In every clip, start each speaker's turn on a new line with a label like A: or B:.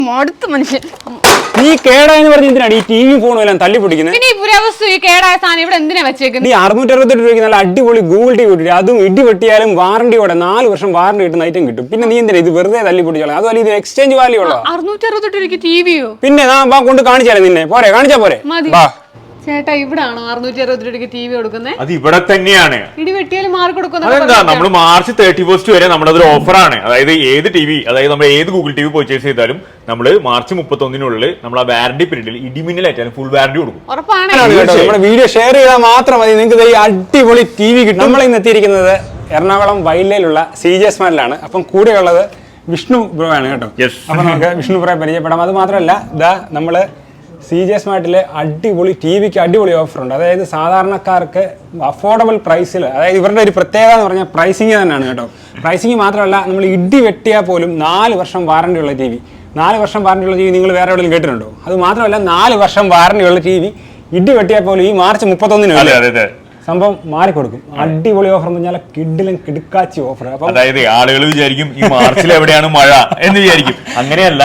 A: മടുത്ത് മനുഷ്യൻ.
B: നീ കേടായെന്ന് പറഞ്ഞ് എന്തിനാണ് ഈ ടിവി ഫോണും എല്ലാം തല്ലി പൊടിക്കുന്നത്?
A: പിന്നെ ഈ പുരാവസ്തു ഈ കേടായ സാധനം ഇവിടെ എന്തിനാ വെച്ചേക്കുന്നത്?
B: നീ 668 രൂപയ്ക്ക് നല്ല അടിപൊളി ഗൂഗിൾ ടിവി കിട്ടും. അതും ഇടി വെട്ടിയാലും വാറണ്ടിയോടെ 4 വർഷം വാറണ്ടി കിട്ടുന്ന ഐറ്റം കിട്ടും. പിന്നെ നീ എന്തിനാ ഇത് വെറുതെ തല്ലി പൊടിച്ചോളാം? അതുപോലെ ഇത് എക്സ്ചേഞ്ച് വാല്യൂ ഉള്ളോ?
A: 668 രൂപയ്ക്ക് ടിവിയോ?
B: പിന്നെ കൊണ്ട് കാണിച്ചാലേ നിന്നെ പോരെ, കാണിച്ചാ പോരെ.
A: ചേട്ടാ ഇവിടാണോ 660 രൂപയ്ക്ക് ടിവി കൊടുക്കുന്നത്?
C: അത് ഇവിടെ തന്നെയാണ്.
A: ഇടി വെട്ടിയാലും മാർക്ക് കൊടുക്കുന്നത്.
C: അതെന്താ, നമ്മൾ മാർച്ച് 31 വരെ നമ്മുടെ അതൊരു ഓഫറാണ്. അതായത് ഏത് ടിവി, അതായത് നമ്മൾ ഏത് ഗൂഗിൾ ടിവി പർച്ചേസ് ചെയ്താലും നമ്മൾ മാർച്ച് 31 നമ്മൾ ആ വാറണ്ടി പീരീഡിൽ ഇടിമിന്നലായിട്ടാലും ഫുൾ വാറണ്ടി കൊടുക്കും.
A: ഉറപ്പാണ്.
B: നമ്മുടെ വീഡിയോ ഷെയർ ചെയ്താൽ മാത്രം മതി നിങ്ങൾക്ക് ഈ അടിപൊളി ടിവി കിട്ടും. നമ്മൾ ഇന്ന് എത്തിയിരിക്കുന്നത് എറണാകുളം വൈലയിലുള്ള CJ സ്മാർട്ടിലാണ്. അപ്പം കൂടെയുള്ളത് വിഷ്ണു ബ്രോ ആണ് കേട്ടോ. അപ്പൊ നമുക്ക് വിഷ്ണു ബ്രോയെ പരിചയപ്പെടാം. അത് മാത്രമല്ല ഇതാ നമ്മള് CJ സ്മാർട്ടിലെ അടിപൊളി ടിവിക്ക് അടിപൊളി ഓഫർ ഉണ്ട്. അതായത് സാധാരണക്കാർക്ക് അഫോർഡബിൾ പ്രൈസിൽ, അതായത് ഇവരുടെ ഒരു പ്രത്യേകത എന്ന് പറഞ്ഞാൽ പ്രൈസിങ് തന്നെയാണ് കേട്ടോ. പ്രൈസിങ് മാത്രമല്ല, നമ്മൾ ഇടി വെട്ടിയാൽ പോലും 4 വർഷം വാറണ്ടി ഉള്ള ടിവി. 4 വർഷം വാറണ്ടി ഉള്ള ടിവി നിങ്ങൾ വേറെ എവിടെയും കേട്ടിട്ടുണ്ടോ? അത് മാത്രമല്ല 4 വർഷം വാറണ്ടി ഉള്ള ടിവി ഇടി വെട്ടിയാൽ പോലും ഈ മാർച്ച് 31 സംഭവം മാറിക്കൊടുക്കും. അടിപൊളി ഓഫർ എന്ന് പറഞ്ഞാൽ കിഡിലും കിടുക്കാച്ചി ഓഫർ.
C: അതായത് ആളുകൾ വിചാരിക്കും ഈ മാർച്ചിൽ എവിടെയാണ് മഴ എന്ന് വിചാരിക്കും. അങ്ങനെയല്ല,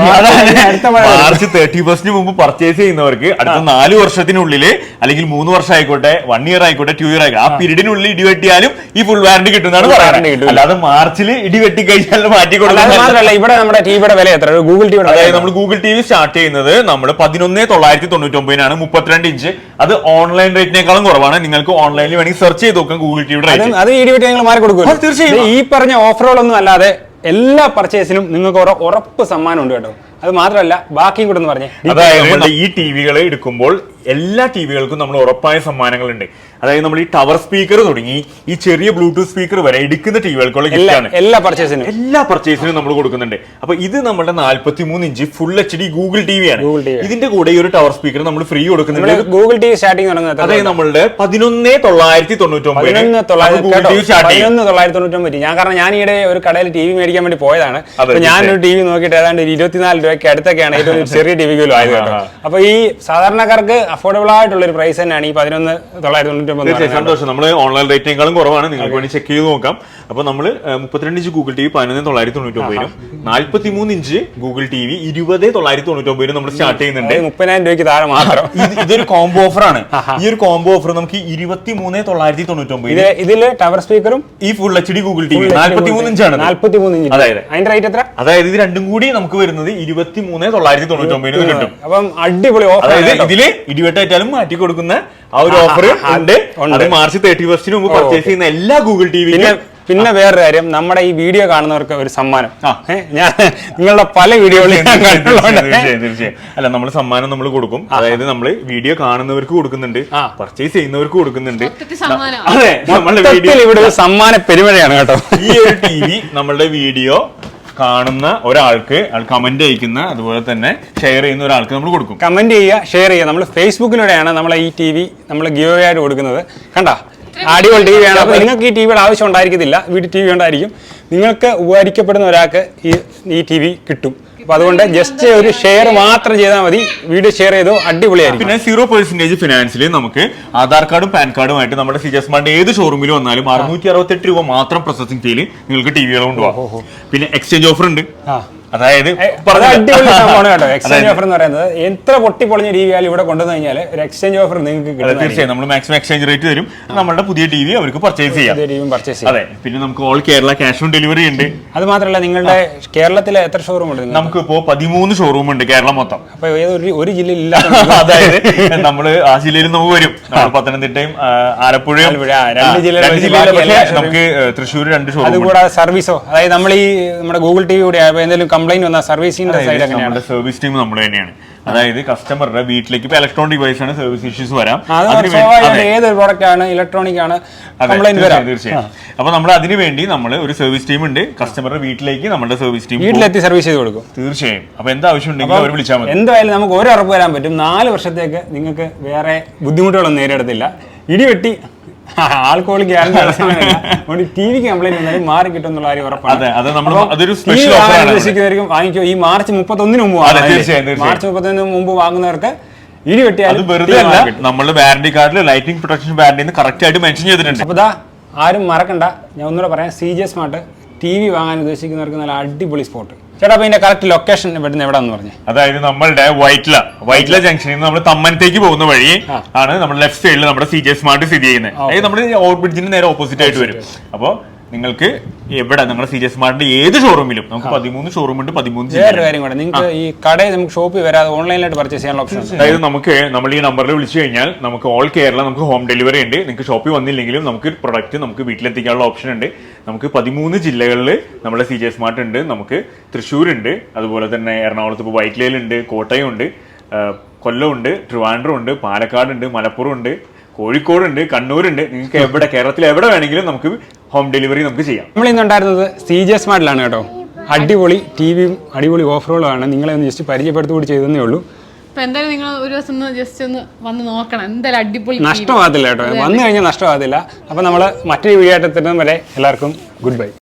C: മാർച്ച് 31 മുമ്പ് പർച്ചേസ് ചെയ്യുന്നവർക്ക് അടുത്ത 4 വർഷത്തിനുള്ളില് അല്ലെങ്കിൽ 3 വർഷം ആയിക്കോട്ടെ, 1 ഇയർ ആയിക്കോട്ടെ, 2 ഇയർ ആയിക്കോട്ടെ, ആ പീരീഡിനുള്ളിൽ ഇടിവെട്ടിയാലും ഈ ഫുൾ വാറണ്ടി കിട്ടുന്നതാണ് പറയുന്നത്. അല്ലാതെ മാർച്ചിൽ ഇടിവെട്ടി കഴിഞ്ഞാൽ മാറ്റി കൊടുക്കുന്നത്.
B: ഇവിടെ നമ്മുടെ ടിവിയുടെ വില എത്ര? ഗൂഗിൾ ടിവി,
C: അതായത് നമ്മൾ ഗൂഗിൾ ടിവി സ്റ്റാർട്ട് ചെയ്യുന്നത് നമ്മൾ 11,999 62 ഇഞ്ച്. അത് ഓൺലൈൻ റേറ്റിനേക്കാളും കുറവാണ്. നിങ്ങൾക്ക് ഓൺലൈനിൽ വേണമെങ്കിൽ സെർച്ച് ചെയ്ത് നോക്കാം ഗൂഗിൾ ടിവിയുടെ റേറ്റ്.
B: അത് ഇടിവെട്ടി നിങ്ങൾ മാറി കൊടുക്കും. തീർച്ചയായും ഈ പറഞ്ഞ ഓഫറുകളൊന്നും അല്ലാതെ എല്ലാ പർച്ചേസിനും നിങ്ങൾക്ക് ഉറപ്പ് സമ്മാനം ഉണ്ട് കേട്ടോ. അത് മാത്രമല്ല ബാക്കിയും കൂടെ ഒന്ന് പറഞ്ഞേ.
C: അതായത് ഈ ടിവികൾ എടുക്കുമ്പോൾ എല്ലാ ടിവികൾക്കും നമ്മൾ ഉറപ്പായ സമ്മാനങ്ങളുണ്ട്. അതായത് നമ്മൾ ഈ ടവർ സ്പീക്കർ തുടങ്ങി ഈ ചെറിയ ബ്ലൂടൂത്ത് സ്പീക്കർ വരെ എടുക്കുന്ന ടിവികൾക്കുള്ള ഗിഫ്റ്റാണ്. എല്ലാ പർച്ചേസിനും നമ്മൾ കൊടുക്കുന്നുണ്ട്. അപ്പൊ ഇത് നമ്മുടെ 43 ഇഞ്ച് ഫുൾ HD ഗൂഗിൾ ടിവിയാണ്. ഇതിന്റെ കൂടെ ഈ ഒരു ടവർ സ്പീക്കർ നമ്മൾ ഫ്രീ കൊടുക്കുന്നുണ്ട്.
B: ഗൂഗിൾ ടിവി സ്റ്റാർട്ടിംഗ് തുടങ്ങുന്നത്
C: അതായത് നമ്മളുടെ 11,999.
B: ഞാൻ ഈയിടെ ഒരു കടയിൽ ടിവി മേടിക്കാൻ വേണ്ടി പോയതാണ്. ഞാനൊരു ടിവി നോക്കിയിട്ട് ഏതാണ്ട് 24 രൂപയ്ക്ക് അടുത്തൊക്കെയാണ് ഏറ്റവും ചെറിയ ടിവികളും ആയത് കേട്ടോ. അപ്പൊ ഈ സാധാരണക്കാർക്ക് അഫോർഡബിൾ ആയിട്ടുള്ള ഒരു പ്രൈസ് തന്നെയാണ് ഈ 11,999.
C: സന്തോഷം. നമ്മൾ ഓൺലൈൻ റേറ്റിനേക്കാളും കുറവാണ്. നിങ്ങൾക്ക് വേണ്ടി ചെക്ക് ചെയ്ത് നോക്കാം. അപ്പൊ നമ്മൾ 32 inch Google TV 11,999, 43 inch Google TV 20,999 നമ്മൾ സ്റ്റാർട്ട് ചെയ്യുന്നുണ്ട്.
B: 30,000 രൂപയ്ക്ക് താഴെ മാത്രം.
C: ഇതൊരു കോംബോ ഓഫർ ആണ്. ഈ ഒരു കോംബോ ഓഫർ നമുക്ക് 23,999.
B: ഇതില് ടവർ സ്പീക്കറും
C: ഈ ഫുൾ HD ഗൂഗിൾ ടിവി 43 ഇഞ്ചാണ്.
B: 43 ഇഞ്ച്.
C: അതായത്
B: അതിന്റെ റേറ്റ് എത്ര?
C: അതായത് ഇത് രണ്ടും കൂടി നമുക്ക് വരുന്നത് 23,999 കിട്ടും.
B: അപ്പം അടിപൊളി ഓഫർ.
C: അതായത് ഇതില് ഇടിവെട്ടായാലും മാറ്റി കൊടുക്കുന്ന ആ ഒരു ഓഫർ ഉണ്ട്. അത് മാർച്ച് 31 മുമ്പ് പർച്ചേസ് ചെയ്യുന്ന എല്ലാ ഗൂഗിൾ ടിവിക്കും.
B: പിന്നെ വേറൊരു കാര്യം, നമ്മുടെ ഈ വീഡിയോ കാണുന്നവർക്ക് ഒരു സമ്മാനം. ഞാൻ നിങ്ങളുടെ പല വീഡിയോകളും
C: തീർച്ചയായും അല്ല, നമ്മൾ സമ്മാനം നമ്മൾ കൊടുക്കും. അതായത് നമ്മൾ വീഡിയോ കാണുന്നവർക്ക് കൊടുക്കുന്നുണ്ട്, പർച്ചേസ് ചെയ്യുന്നവർക്ക് കൊടുക്കുന്നുണ്ട്.
B: അതെ, നമ്മളുടെ വീഡിയോ ഇവിടെ ഒരു സമ്മാന പെരുമഴയാണ് കേട്ടോ.
C: ഈ ഒരു ടിവി നമ്മളുടെ വീഡിയോ കാണുന്ന ഒരാൾക്ക്, കമന്റ് അയക്കുന്ന, അതുപോലെ തന്നെ ഷെയർ ചെയ്യുന്ന ഒരാൾക്ക് നമ്മൾ കൊടുക്കും.
B: കമന്റ് ചെയ്യുക, ഷെയർ ചെയ്യുക. നമ്മൾ ഫേസ്ബുക്കിലൂടെയാണ് നമ്മളെ ഈ ടിവി നമ്മൾ ഗിവ് അവേ ആയിട്ട് കൊടുക്കുന്നത്. കണ്ടാ, അടിപൊളി ടിവിയാണ്. അപ്പൊ നിങ്ങൾക്ക് ഈ ടിവിയുടെ ആവശ്യം ഉണ്ടായിരിക്കത്തില്ല, വീട്ടിൽ ടിവി ഉണ്ടായിരിക്കും. നിങ്ങൾക്ക് ഉപകരിക്കപ്പെടുന്ന ഒരാൾക്ക് ഈ ടിവി കിട്ടും. അപ്പൊ അതുകൊണ്ട് ജസ്റ്റ് ഒരു ഷെയർ മാത്രം ചെയ്താൽ മതി. വീഡിയോ ഷെയർ ചെയ്തോ, അടിപൊളിയായിരിക്കും.
C: പിന്നെ 0% ഫിനാൻസിൽ നമുക്ക് ആധാർ കാർഡും പാൻ കാർഡുമായിട്ട് നമ്മുടെ CJ സ്മാർട്ട് ഏത് ഷോറൂമിൽ വന്നാലും 668 രൂപ മാത്രം പ്രോസസിംഗ് ഫീല് നിങ്ങൾക്ക് ടിവികൾ കൊണ്ടുപോകാം. പിന്നെ എക്സ്ചേഞ്ച് ഓഫർ ഉണ്ട്. അതായത്
B: അടിപൊളി സംഭവമാണ് കേട്ടോ എക്സ്ചേഞ്ച് ഓഫർ എന്ന് പറയുന്നത്. എത്ര പൊട്ടിപ്പൊളിഞ്ഞ ടിവി ആയാലും ഇവിടെ കൊണ്ടുവന്നു കഴിഞ്ഞാൽ ഒരു എക്സ്ചേഞ്ച് ഓഫർ നിങ്ങൾക്ക് കിട്ടും.
C: തീർച്ചയായും നമ്മൾ മാക്സിമം എക്സ്ചേഞ്ച് റേറ്റ് തരും. നമ്മുടെ പുതിയ ടിവി അവർക്ക് പർച്ചേസ് ചെയ്യാം. അതെ, പിന്നെ നമുക്ക് all Kerala cash on delivery ഉണ്ട്.
B: അത് മാത്രമല്ല, നിങ്ങളുടെ കേരളത്തിലെ എത്ര ഷോറൂം ഉണ്ട്?
C: നമുക്ക് ഇപ്പോ 13 ഷോറൂം ഉണ്ട് കേരളം മൊത്തം.
B: അപ്പൊ ഒരു ജില്ലയിൽ ഇല്ല.
C: അതായത് നമ്മള് ആ ജില്ലയിൽ നമുക്ക് വരും. പത്തനംതിട്ടയും ആലപ്പുഴയും 2 ജില്ലയിൽ, നമുക്ക് തൃശ്ശൂർ 2 ഷോറൂം.
B: അതുകൂടാതെ സർവീസോ, അതായത് നമ്മൾ ഈ നമ്മുടെ ഗൂഗിൾ ടിവി കൂടെ എന്തെങ്കിലും കംപ്ലൈന്റ് വന്നാൽ സർവീസിന്റെ
C: നമ്മുടെ സർവീസ് ടീം നമ്മൾ തന്നെയാണ്. അതായത് കസ്റ്റമറുടെ വീട്ടിലേക്ക് ഇപ്പൊ ഇലക്ട്രോണിക് ഡിവൈസ് ആണ് സർവീസ് ഇഷ്യൂസ് വരാം.
B: ഏതൊരു പ്രോഡക്റ്റ് ആണ്, ഇലക്ട്രോണിക് ആണ്,
C: തീർച്ചയായും. അപ്പൊ നമ്മൾ അതിന് വേണ്ടി നമ്മൾ ഒരു സർവീസ് ടീം ഉണ്ട്. കസ്റ്റമറുടെ വീട്ടിലേക്ക് നമ്മുടെ സർവീസ് ടീം
B: വീട്ടിലെത്തി സർവീസ് ചെയ്ത് കൊടുക്കും.
C: തീർച്ചയായും. അപ്പൊ എന്താ ആവശ്യം ഉണ്ടെങ്കിൽ അവർ വിളിച്ചാൽ മതി.
B: എന്തായാലും നമുക്ക് ഒരു ഉറപ്പ് വരാൻ പറ്റും, 4 വർഷത്തേക്ക് നിങ്ങൾക്ക് വേറെ ബുദ്ധിമുട്ടുകളൊന്നും നേരിടത്തില്ല. ഇടിവെട്ടി ആൾക്കോൾ ടിവിക്ക് കംപ്ലൈന്റ് വന്നാലും മാറി കിട്ടും എന്നുള്ള കാര്യം ഉറപ്പാണ്. വാങ്ങിക്കോ. ഈ മാർച്ച് 31 മുമ്പ്, മാർച്ച് 31 മുമ്പ് വാങ്ങുന്നവർക്ക് ഇടി വെട്ടിയാലും
C: നമ്മുടെ വാറന്റി കാർഡിൽ ലൈറ്റിംഗ് പ്രൊട്ടക്ഷൻ വാറന്റി കറക്റ്റ് ആയിട്ട് മെൻഷൻ ചെയ്തിട്ടുണ്ട്.
B: അപ്പൊ ആരും മറക്കണ്ട, ഞാൻ ഒന്നുകൂടെ പറയാം. CJ സ്മാർട്ട് ടി വി വാങ്ങാൻ ഉദ്ദേശിക്കുന്നവർക്ക് നല്ല അടിപൊളി സ്പോട്ട്. ചേട്ടാ അപ്പൊ ഇതിന്റെ കറക്റ്റ് ലൊക്കേഷൻ ഇവിടുന്ന് എവിടെയാന്ന് പറഞ്ഞു?
C: അതായത് നമ്മളുടെ വൈറ്റ്ല ജംഗ്ഷനിൽ നിന്ന് നമ്മൾ തമ്മനത്തേക്ക് പോകുന്ന വഴി ആണ് നമ്മുടെ ലെഫ്റ്റ് സൈഡിൽ നമ്മുടെ CJ സ്മാർട്ട് സ്ഥിതി ചെയ്യുന്നത്. അതായത് നമ്മുടെ ഓവർ ബ്രിഡ്ജിന് നേരെ ഓപ്പോസിറ്റ് ആയിട്ട് വരും. അപ്പോൾ നിങ്ങൾക്ക് എവിടെ നിങ്ങളുടെ CJ സ്മാർട്ടിന്റെ ഏത് ഷോറൂമിലും നമുക്ക് 13 ഷോറൂം ഉണ്ട്, 13
B: വേറൊരു കാര്യം കൂടെ, നിങ്ങൾക്ക് ഈ കടയിൽ നമുക്ക് ഷോപ്പിൽ വരാതെ ഓൺലൈനായിട്ട് പർച്ചേസ് ചെയ്യാനുള്ള ഓപ്ഷൻ?
C: അതായത് നമുക്ക് നമ്മൾ ഈ നമ്പറിൽ വിളിച്ചു കഴിഞ്ഞാൽ നമുക്ക് ഓൾ കേരള നമുക്ക് ഹോം ഡെലിവറി ഉണ്ട്. നിങ്ങൾക്ക് ഷോപ്പിൽ വന്നില്ലെങ്കിലും നമുക്ക് പ്രൊഡക്റ്റ് നമുക്ക് വീട്ടിലെത്തിക്കാനുള്ള ഓപ്ഷൻ ഉണ്ട്. നമുക്ക് 13 ജില്ലകളിൽ നമ്മുടെ CJ സ്മാർട്ട് ഉണ്ട്. നമുക്ക് തൃശ്ശൂർ ഉണ്ട്, അതുപോലെ തന്നെ എറണാകുളത്ത് ഇപ്പോൾ വൈറ്റ്ലയിലുണ്ട്, കോട്ടയം ഉണ്ട്, കൊല്ലം ഉണ്ട്, ട്രിവാൻഡ്രം ഉണ്ട്, പാലക്കാട് ഉണ്ട്, മലപ്പുറം ഉണ്ട്, കോഴിക്കോടുണ്ട്, കണ്ണൂരുണ്ട്. നിങ്ങൾക്ക് എവിടെ കേരളത്തിൽ എവിടെ വേണമെങ്കിലും നമുക്ക് ഹോം ഡെലിവറി നമുക്ക് ചെയ്യാം.
B: നമ്മൾ ഇന്നുണ്ടായിരുന്നത് CJ സ്മാർട്ടിലാണ് കേട്ടോ. അടിപൊളി ടിവിയും അടിപൊളി ഓഫറുകളുമാണ്. നിങ്ങളെ ഒന്ന് ജസ്റ്റ് പരിചയപ്പെടുത്തുകൂടി ചെയ്തേ ഉള്ളൂ.
A: അപ്പൊ എന്തായാലും നിങ്ങൾ ഒരു ദിവസം ജസ്റ്റ് ഒന്ന് വന്ന് നോക്കണം. എന്തായാലും അടിപൊളി
B: നഷ്ടമാകത്തില്ല കേട്ടോ, വന്നു കഴിഞ്ഞാൽ നഷ്ടമാകത്തില്ല. അപ്പൊ നമ്മൾ മറ്റൊരു വീഡിയോ ആയിട്ട് എത്തുന്നത് വരെ എല്ലാവർക്കും ഗുഡ് ബൈ.